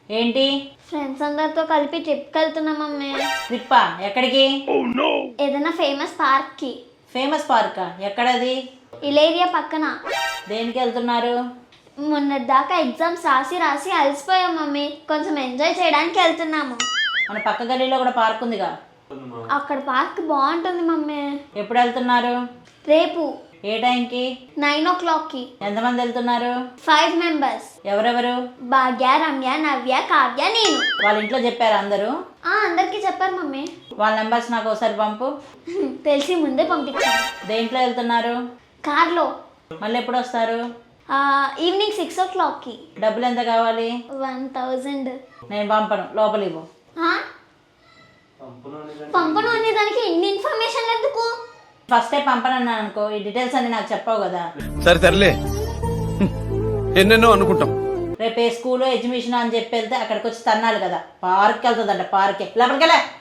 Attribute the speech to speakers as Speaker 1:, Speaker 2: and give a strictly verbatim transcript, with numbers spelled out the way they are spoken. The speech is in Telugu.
Speaker 1: ఏంటి?
Speaker 2: ఫ్రెండ్స్ అందరితో కలిపి ట్రిప్కి వెళ్తున్నాం మమ్మీ.
Speaker 1: ట్రిప్పా? ఎక్కడికి?
Speaker 2: ఏదైనా ఫేమస్ పార్క్కి.
Speaker 1: ఫేమస్ పార్కా? ఎక్కడది?
Speaker 2: ఇలేరియా పక్కన.
Speaker 1: దేనికి వెళ్తున్నారు?
Speaker 2: మొన్నటి దాకా ఎగ్జామ్స్ రాసి రాసి అలసిపోయాం మమ్మీ, కొంచెం ఎంజాయ్ చేయడానికి వెళ్తున్నాము.
Speaker 1: మన పక్క గల్లీలో కూడా పార్క్ ఉందిగా,
Speaker 2: అక్కడ పార్క్ బాగుంటుంది మమ్మీ.
Speaker 1: ఎప్పుడు వెళ్తున్నారు?
Speaker 2: రేపు
Speaker 1: ఏ టైంకి?
Speaker 2: నైన్ ఓ క్లాక్కి.
Speaker 1: ఎంతమంది వెళ్తున్నారు?
Speaker 2: Five members.
Speaker 1: ఎవరెవరు?
Speaker 2: భాగ్య, రమ్య, నవ్య, కావ్య, నేను.
Speaker 1: వాళ్ళ ఇంట్లో చెప్పారు అందరూ?
Speaker 2: ఆ అందరికీ చెప్పారు మమ్మీ.
Speaker 1: వాళ్ళ నెంబర్స్ నాకు ఒకసారి పంపు.
Speaker 2: తెలిసి ముందే పంపించాను.
Speaker 1: దేంట్లో వెళ్తున్నారు?
Speaker 2: కార్లో.
Speaker 1: మళ్ళీ ఎప్పుడు వస్తారు?
Speaker 2: ఈవినింగ్ సిక్స్ ఓ క్లాక్కి.
Speaker 1: డబ్బులు ఎంత కావాలి?
Speaker 2: One thousand.
Speaker 1: నేను పంపను, లోపలికి పో.
Speaker 2: పంపను అనే దానికి ఇన్ని ఇన్ఫర్మేషన్ ఎందుకు?
Speaker 1: ఫస్టే పంపనన్నాను అనుకో, ఈ డీటెయిల్స్ అన్ని నాకు చెప్పావు కదా.
Speaker 3: సరే సర్లే, ఎన్నెన్నో అనుకుంటాం.
Speaker 1: రేపు ఏ స్కూల్ ఎగ్జిబిషన్ అని చెప్పి వెళ్తే అక్కడికి వచ్చి తన్నాలి కదా. పార్క్ వెళ్తుందంట, పార్కే. లోపలికెళ్ళా.